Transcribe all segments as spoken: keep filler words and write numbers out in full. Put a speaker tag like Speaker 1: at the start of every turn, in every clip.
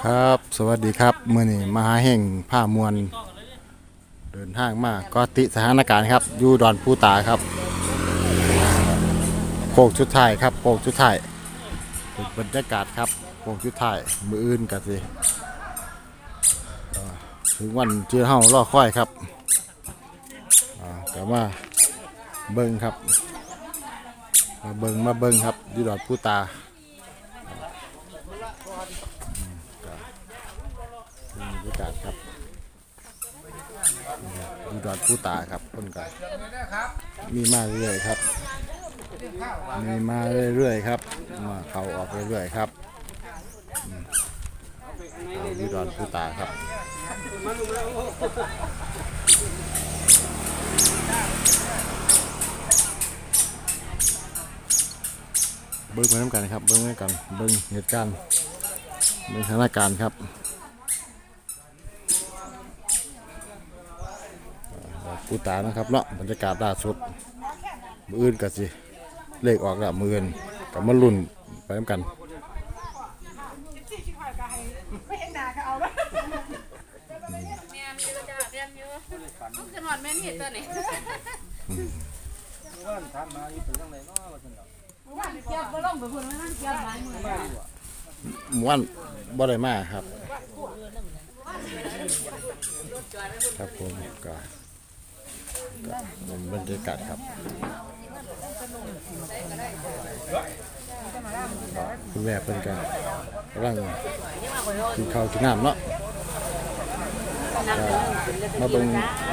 Speaker 1: ครับสวัสดีครับมื่อนี้มหาแห่งผ้ามวลเดินทางมาก็ติสถานการณ์ครับอยู่ดอนปูตาครับโค้งชุดไทายครับโค้งชุดไทายบรรยากาศครับโค้งชุดไทายมืออื่นกันสิถึงวันเจอเฮาล่อค่อยครับแต่ว่าเบิ้งครับมาเบิ้งมาเบิ้งครับอยู่ดอนปูตาบรรยากาศครับดูดอดผู้ตาครับคนกันมีมาเรื่อยๆครับมีมาเรื่อยๆครับมาเขาออกเรื่อยๆครับดูดอดผู้ตาครับเบิ้งไปน้ำกันครับเบิ้งไปกันเบิ้งเหตุการณ์เบิ้งสถานการณ์ครับปูตานะครับเนาะบรรยากาศล่าสุดมืออื่นกันสิเลขออกแล้วมืออื่นกับมะลุ่นไปน้ำกันหมู่บ้านบ่ได้มาครับครับผมก็บรรยากาศครับคุณแม่เป็นกันกำลังกินข้าวกินน้ำเนาะมาตรง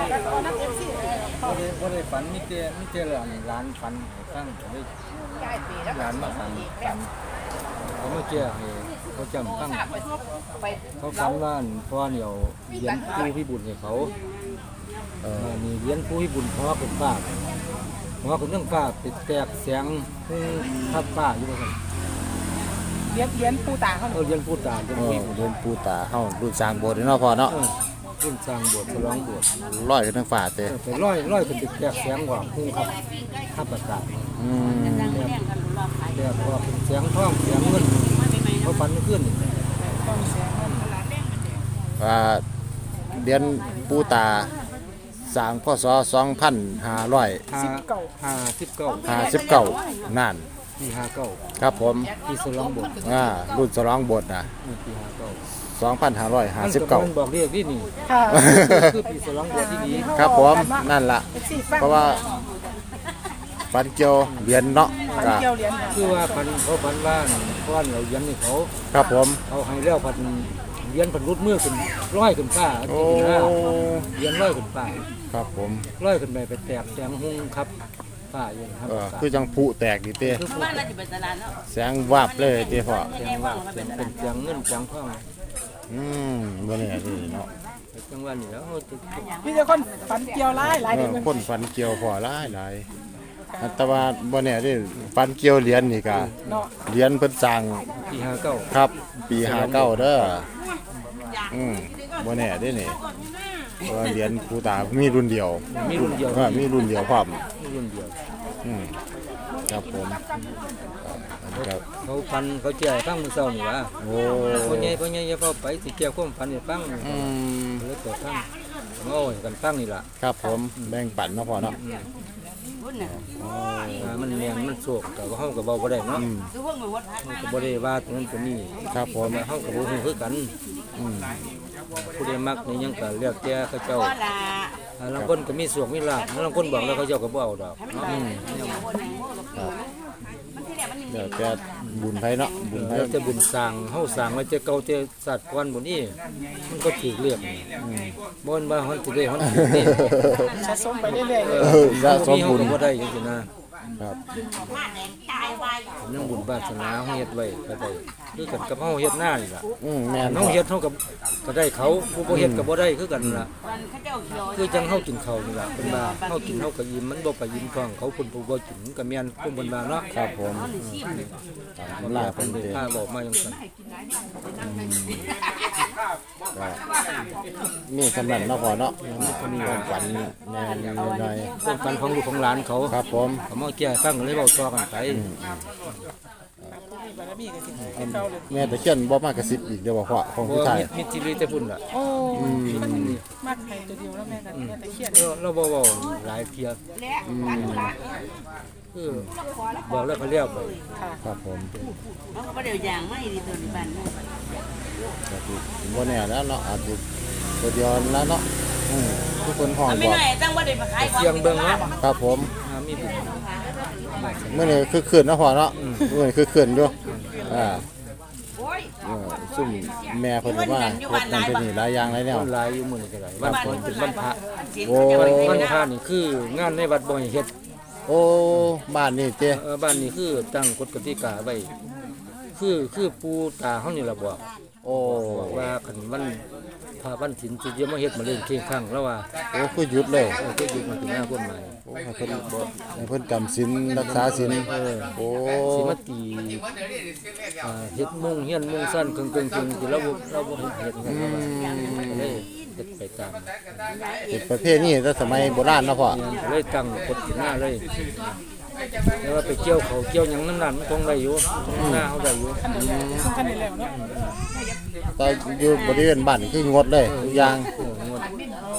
Speaker 2: บ่ได้ฝันมีแต่มีแต่หลานหลานฝันฟังเลยหลานมาฝันฝันเขามาเจอให้เขาจำฟังเขาฝันว่าพ่อเนี่ยเลี้ยงผู้พิบูลให้เขาเออมีเลี้ยงผู้พิบูลเพราะเป็นฟ้าเพราะเป็นเรื่องฟ้าติดแตกเสียงทับฟ้าอยู่ว่าซั่น
Speaker 3: เลี้ยงเลี้ยงปูตาเขา
Speaker 2: เออเลี้ยงผู้ตาเลี้ยงผู้
Speaker 1: เลี้ยงปูตาเฮารุ่นสร้างโบสถ์เนาะพ่อเนาะ
Speaker 2: รุ่นสร้างโบสถ์ฉลองโบสถ์
Speaker 1: ร้อยขึ้นทั้งฝ่าเต้
Speaker 2: ไปร้อยร้อยเป็นติดแตกเสียงว่าพุ่งครับทับอากาศ
Speaker 1: อืม
Speaker 2: แต่พอเป็นเสียงท้องเสียงเงินเขาฝันขึ้น
Speaker 1: ว่าเดือนปูตาสร้างพศสองพันห้าร้อย
Speaker 2: สิบเก้าห้าสิบเก้า
Speaker 1: ห้าสิบเก้านั่น
Speaker 2: ปีห้าเก้า
Speaker 1: ครับผม
Speaker 2: ปีฉลองโบสถ์
Speaker 1: อ่ารุ่นฉลองโบสถ์นะ
Speaker 2: ปีห้าเก้า
Speaker 1: สองพันห้าร้อยห้าสิบเก้า
Speaker 2: มันบอกเรียกที่นี่คือปีฉลองโบสถ์ที่ดี
Speaker 1: ครับผมนั่นล่ะเพราะว่าฟันเกียวเหรียญเนาะ
Speaker 2: คือว่าพันเขาพันว่าก้อนเราเลี้ยงนี่เขา
Speaker 1: ครับผม
Speaker 2: เขาให้แล้วพันเลี้ยงพันรุดมือขึ้นร้อยขึ้นฟ้า
Speaker 1: โอ้
Speaker 2: เลี้ยงร้อยขึ้นฟ้า
Speaker 1: ครับผม
Speaker 2: ร้อยขึ้นไปไปแตกแสงหุ่งครับฟ้าอยู่ครับ
Speaker 1: คือจังผุแตกดิเต้
Speaker 3: บ้านเราจะเป็นตลาดเนาะ
Speaker 1: แสงวาบเลยเต้พ่อ
Speaker 2: แสงวาบเป็นเสียงเงินเสียงทอง
Speaker 1: อืมบ่เนี่ยนี่เนาะ
Speaker 2: จังหวะนี้แล้ว
Speaker 3: พี่จะคนฝันเกี่ยวหลายหลาย
Speaker 1: คนฟันเกี่ยวพอหลายหลายแต่ว่าบ่เนี่ยนี่ฟันเกี่ยวเหรียญนี่ก็เหรียญเพิ่นสร้าง
Speaker 2: ปีห้าเก้า
Speaker 1: ครับปีห้าเก้าเด้ออืมบ่แน่เด้นี่ว่าเหรียญปูตามีรุ่นเดียว
Speaker 2: มีรุ่นเดียว
Speaker 1: ก็มีรุ่นเดียวพร้อม
Speaker 2: มีรุ่นเดียว
Speaker 1: อืมครับผม
Speaker 2: เขาฟันเขาแจ้ฟังมื้อเช้านี่ว่า
Speaker 1: โอ้
Speaker 2: พ่อใหญ่พ่อใหญ่อย่าเฝ้าไปสิแก้ความฝันให้ฟัง
Speaker 1: อืม
Speaker 2: เลยเปิดฟังโอ้ยกันฟังนี่ล่ะ
Speaker 1: ครับผมแบ่งปันเนาะพ่อเนาะ
Speaker 2: มันแม่นมันโศกแต่ว่าเฮาก็เว้าบ่ได้เนาะก็บ่ได้ว่าตรงนั้นตรงนี้
Speaker 1: ครับผม
Speaker 2: เฮาก็บ่ฮู้คือกันอืมผู้ใดมักนี่ยังก็เลือกแต่เขาเจ้าบางคนก็มีสวกมีลาภบางคนบอกแล้วเขาเจ้าก็บ่เอาดอกอืม
Speaker 1: เดี๋ยวแกบุญไผเนาะ
Speaker 2: บุญไผจะบุญสร้างเฮาสร้างไว้แต่เก่าแต่สัตว์ก่อนบ่นี้มันก็ถูกเรียกอืมบ่นว่าเฮาสิได้เฮาสิ
Speaker 3: สะสมไปเรื่อยๆเอ
Speaker 1: อสะสมบุญ
Speaker 2: บ่ได้จังซี่นะครับนั่งบุญบาสนาเฮาเฮ็ดไว้ก็ได้คือกันกับเฮาเฮ็ดหน้านี่ล่ะ
Speaker 1: อืมแม่น
Speaker 2: เฮาเฮ็ดเฮากับก็ได้เขาผู้บ่เฮ็ดก็บ่ได้คือกันล่ะคือจังเฮากินข้าวนี่ล่ะเพิ่นว่าเฮากินเฮาก็อิ่มมันบ่ไปอิ่มท้องเขาเพิ่นผู้บ่กินก็แม่นผู้เพิ่นว่าเนาะ
Speaker 1: ครับผม
Speaker 2: มันลาเพิ่นได้พาบอกมาจังซั่น
Speaker 1: นี่สำนักเนาะพ่อเนาะมีความฝันแน่นหน่อย
Speaker 2: ความฝันของลูกของหลานเขา
Speaker 1: ครับผม
Speaker 2: เขามาแก้ฟังเลยเว้าต่อกันไป
Speaker 3: ก็มีก็สิเป็นเก่าเลย
Speaker 1: แม่ตะเคียนบ่มากระซิบอีกเดี๋ยวบ่พ่อของ
Speaker 2: บ่
Speaker 1: ผู้ชาย
Speaker 2: มีมีจิริแต่พุ่นล่ะ
Speaker 3: โอ้มันมากให้ตัวเดียวแล้วแม่กันแม่ตะเคียน
Speaker 2: เราเราบ่เว้าหลายเที่ยคือบอกแล้วเขาเรียกไป
Speaker 3: ค่ะ
Speaker 1: ครับผม
Speaker 4: เขาก็เดี๋ยวอย่างไม่ดีตัวนี้บ้านนั่น
Speaker 1: ก็สิบ่แน่แล้วเนาะอาจจะตัวเดียวแล้วเนาะอืมทุกคนห้อง
Speaker 4: ไม่
Speaker 1: บอก
Speaker 4: หน่อยตั้งว่าเดี๋ยวมาขายของ
Speaker 2: เสียงเบิ่งเนาะ
Speaker 1: ครับผม
Speaker 2: อ่ามีบุญ
Speaker 1: เมื่อนี้คือคืนเนาะพ่อเนาะเมื่อนี้คือคืนอยู่อ่า
Speaker 4: โอ้ย
Speaker 1: เออซุ่มแม่เพิ่นว่าเฮ็ดนั่นเป็นนี่หลายอย่างหลายแนว
Speaker 2: คนหลายอยู่มื้อนี้ก็หลายวันก่อนเป็นวันพระ
Speaker 1: โอ้
Speaker 2: วันพระนี่คืองานในวัดบ่ให้เฮ็ด
Speaker 1: โอ้บ้านนี่เจ้
Speaker 2: เออบ้านนี้คือตั้งกฎกติกาไว้คือคือปู่ตาเฮานี่ล่ะบอก
Speaker 1: โอ้
Speaker 2: บอกว่าคันวันพระวันศีลสิจะมาเฮ็ดมาเล่นเคียงข้างแล้วว่า
Speaker 1: โอ้คือหยุดเลย
Speaker 2: เออก็อยู่มันเป็นหน้ากฎหมาย
Speaker 1: โอ้ให้เพิ่นให้เพิ่นจำศีลรักษาศีลโอ้
Speaker 2: สิมาตีอ่าเฮ็ดมุ่งเฮียนมุ่งสั้นกึ่งกึ่งกึ่งที่เราบ่เราบ่เฮ็ดกันก็เลยเฮ็ดไปตาม
Speaker 1: เป็นประเภทนี้แต่สมัยโบราณเนาะพ่อ
Speaker 2: เนี่ยก็เลยตั้งกฎขึ้นมาเลยแล้วว่าไปเกี่ยวเขาเกี่ยวหยังน้ำนั่นมันคงได้อยู่หน้าเขาได้อยู่
Speaker 3: ซึ่งคันนี้แล้วเนาะ
Speaker 1: แต่อยู่บริเวณบ้านคืองดเลยทุกอย่าง
Speaker 2: เอองด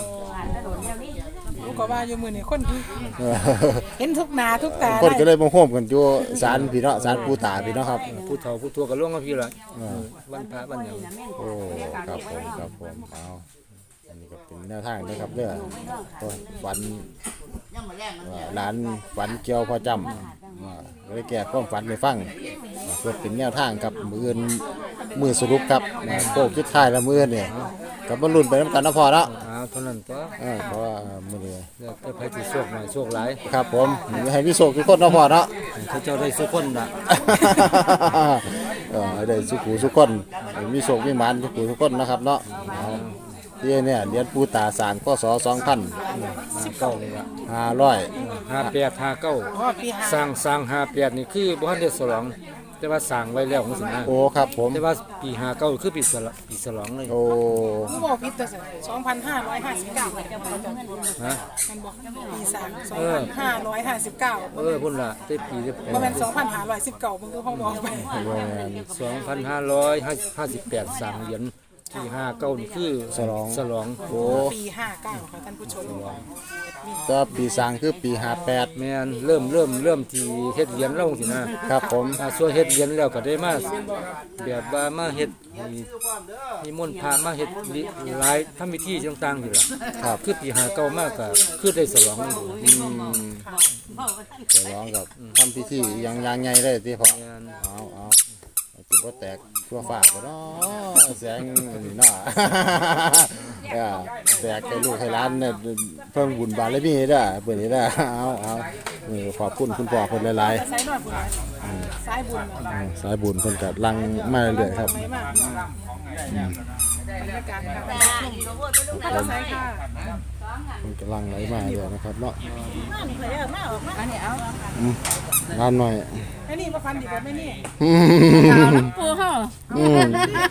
Speaker 3: รู้ก็ว่าอยู่มื้อนี้คนที่
Speaker 1: เออ
Speaker 3: เห็นทุกหน้าทุกตา
Speaker 1: คนก็เลยมาโฮมกันอยู่ศาลพี่เนาะศาลปู่ตาพี่เนาะครับ
Speaker 2: ผู้เฒ่าผู้ทั่วก็ล่วงมาพี่ละวันพระวันหยัง
Speaker 1: โอ้ครับผมครับผมเอาอันนี้ก็เป็นแนวทางนะครับเด้อตัวฝัน
Speaker 4: ยังมาแรงมัน
Speaker 1: ว่าร้านฝันเกี่ยวพ่อจำว่าเลยแก้ความฝันให้ฟังเพื่อเป็นแนวทางกับมืออื่นมือสรุปครับโค้งสุดท้ายแล้วมืออื่นเนี่ยกับบรรลุนไปน้ำกันนะพ่อเนาะ
Speaker 2: อ้าวเท่านั้นตัว
Speaker 1: เออเพราะว่ามือนี้
Speaker 2: แล้วแต่ไผสิโชคหน่อยโชคหลาย
Speaker 1: ครับผมให้พี่โศกทุกคนเนาะพ่อเนาะ
Speaker 2: เขาเจ้าได้สุคนน่ะ
Speaker 1: เออให้ได้สุขุทุกคนให้มีโศกมีหมานสุขุทุกคนนะครับเนาะเอาที่เนี่ยเหรียญปูตาสารก็สอสองพัน
Speaker 2: ห้าเก้านี่ล่ะ
Speaker 1: ห้าร้อย
Speaker 2: ห้าแปดห้าเก้า
Speaker 3: อ๋อปีห้า
Speaker 2: สร้างสร้างห้าแปดนี่คือบ่ทันได้ฉลองแต่ว่าสร้างไว้แล้วจังซี่นะ
Speaker 1: โอ้ครับผม
Speaker 2: แต่ว่าปีห้าเก้าคือปีฉลองปีฉลองเลย
Speaker 1: โอ้
Speaker 3: ผู้บอกผิดตัวสองพันห้าร้อยห้าสิบเก้า
Speaker 2: ฮะ
Speaker 3: มันบอกปีสามสองพันห้าร้อยห้าสิบเก้า
Speaker 2: เออพุ่นล่ะแต่ปีเดียว
Speaker 3: บ่แม่นสองพันห้าร้อยสิบเก้ามึงก็เขาบอกไป
Speaker 1: โรงงาน
Speaker 2: สองพันห้าร้อยห้าสิบแปดสร้างเหรียญที่ห้าเก้านี่คือ
Speaker 1: ฉลอง
Speaker 2: ฉลอง
Speaker 1: โอ้
Speaker 3: ปีห้าเก้าค่ะท่านผู้ชม
Speaker 1: ก็ปีสร้างคือปีห้าแปด
Speaker 2: แม่นเริ่มเริ่มเริ่มที่เฮ็ดเหรียญแล้วจังซี่นะครับ
Speaker 1: ผม
Speaker 2: อ่าส่วนเฮ็ดเหรียญแล้วก็ได้มาแบบว่ามาเฮ็ดให้นิมนต์พระมาเฮ็ดหลายทำพิธีต่างๆนี่ล่ะ
Speaker 1: ครับ
Speaker 2: คือปีห้าเก้ามากก็คือได้ฉลองนี่
Speaker 1: อืมจะร้องกับทำพิธีอยังอยังไงเลยที่พ่อ
Speaker 2: แม่น
Speaker 1: เอาเอาจิบ่แตกทั่วฟ้าบ่เนาะแสงนี่เนาะ เออแตกให้ลูกให้หลานเนี่ยเพิ่งบุญบารมีเด้อเพิ่นนี่เด้อเอาเอาเออขอบคุณคุณพ่อเพิ่นหลาย
Speaker 3: สายนอนผู้สายบุญ
Speaker 1: ๆอืมสายบุญเพิ่นก็ลังมาเรื่อยๆครับ
Speaker 3: ไม่มากบรรยากาศค่ะท่านสายค่ะ
Speaker 1: เพิ่นก็ลังไหลมาเรื่อยนะครับเนาะ
Speaker 4: อันนี้เอา
Speaker 1: อืมงานหน่อย
Speaker 3: ไอ้นี่มาฟันดีกว่าไม่นี่
Speaker 1: อืม
Speaker 4: เอาลูกปูเฮา
Speaker 1: อืม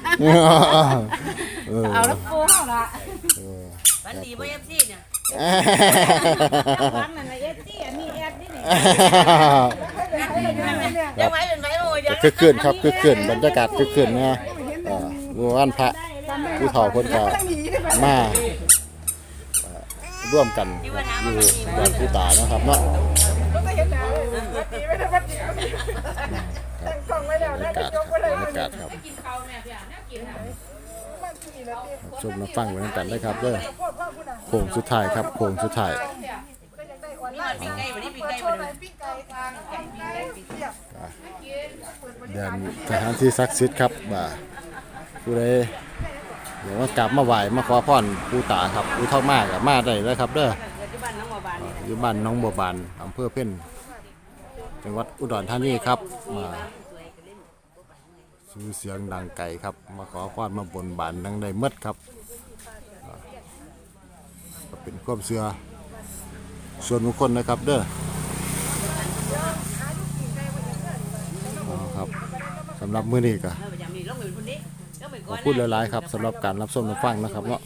Speaker 1: เออ
Speaker 4: เอาลูกปูเฮาละ
Speaker 1: เออ
Speaker 4: วันดีบ่เอฟซีเนี่ย
Speaker 3: ฟันนั่นเอฟซีอันนี้แอดนี่นี่
Speaker 4: ยังไว้เป็นไว้โอ้ยยัง
Speaker 1: คือคืนครับคือคืนบรรยากาศคือคืนนะเอ่อมื้อวันพระผู้เฒ่าเพิ่นก็มาเอ่อร่วมกันอยู่บ้านผู้ตานะครับเนาะ
Speaker 3: ก็เห็นหน้าวัดดีไม่ได้วัดดีแต่งกล้องไว้แล้ว
Speaker 1: บรร
Speaker 3: นะ
Speaker 1: ยากาศ
Speaker 3: ยกไว้เลย
Speaker 1: บรรยากาศครับชมมาฟังไว้ด้วยกันได้ครับเด้อโค้งสุดท้ายครับโค้งสุดท้าย
Speaker 4: นี่มันปีไก่วันนี้ปีไก่วันนี้
Speaker 1: เดินสถานที่ศักดิ์สิทธิ์ครับบ่าผู้ใดเดี๋ยวว่ากลับมาไหว้มาขอพรปู่ตาครับอุทองมากกับมาได้เลยครับเด้อ
Speaker 4: ที่บ้านน้องบัวบานนี่
Speaker 1: อยู่บ้านหน้องบัวบานอำเภอเพ่นจังหวัดอุดรธานีครับมาชื่อเสียงดังไกลครับมาขอพรมาบนบานดังได้เมดครับอ่าก็เป็นความเชื่อส่วนบุคคลนะครับเด้ออ๋อครับสำหรับมื้อนี้ก็
Speaker 4: เออประจำนี่ลงไปเป็นคนนี้ลงไป
Speaker 1: ข
Speaker 4: ก่
Speaker 1: อ
Speaker 4: อบ น
Speaker 1: คุณหลายๆครับสำหรับการรับชมรับฟังนะครับเนาะ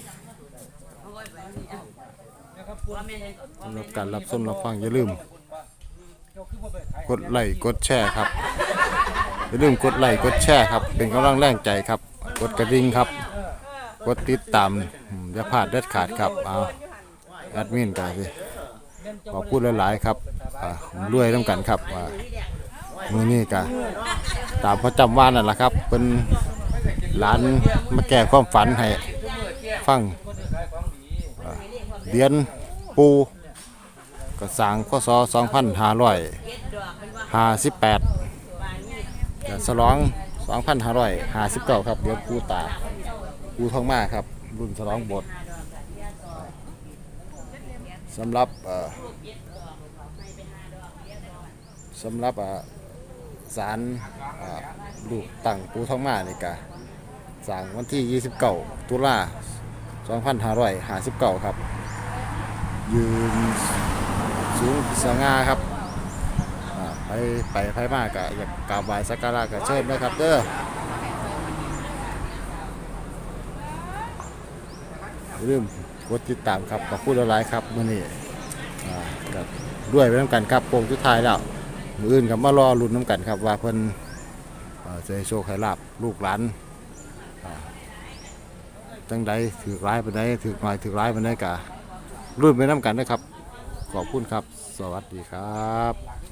Speaker 1: สำหรับการรับชมรับฟังอย่าลืมกดไลค์กดแชร์ครับอย่าลืมกดไลค์กดแชร์ครับเป็นกำลังแรงใจครับกดกระดิ่งครับกดติดตามอย่าพลาดเด็ดขาดครับเอาแอดมินกันสิขอพูดหลายๆครับอ่ารวยน้ำกันครับอ่ามือนี้กันตามพระจำว่านั่นแหละครับเป็นหลานมาแก้ความฝันให้ฟังอ่าเรียนปูก็สร้างพศสองพันห้าร้อยห้าสิบแปดฉลองสองพันห้าร้อยห้าสิบเก้าครับเดี๋ยวปูตาปูทองมาครับรุ่นฉลองบทสำหรับเอ่อสำหรับศาลลูกตั้งปูทองมานี่กะสร้างวันที่ยี่สิบเก้าตุลาสองพันห้าร้อยห้าสิบเก้าครับยืนสูงสง่าครับไปไปไปมากกะอยากกราบไหว้สักการะกะเชิญนะครับเด้อเริ่มกดติดตามครับกับผู้หลายครับมื้อนี้ก็ด้วยไปน้ำกันครับโป่งสุดท้ายแล้วมื้ออื่นกับมารอลุ้นน้ำกันครับว่าเพิ่นจะให้โชคให้ลาบลูกหลานจังใดถือร้ายไปไหนถือหน่อยถือร้ายไปไหนกะรุ่นไปน้ำกันนะครับขอบคุณครับสวัสดีครับ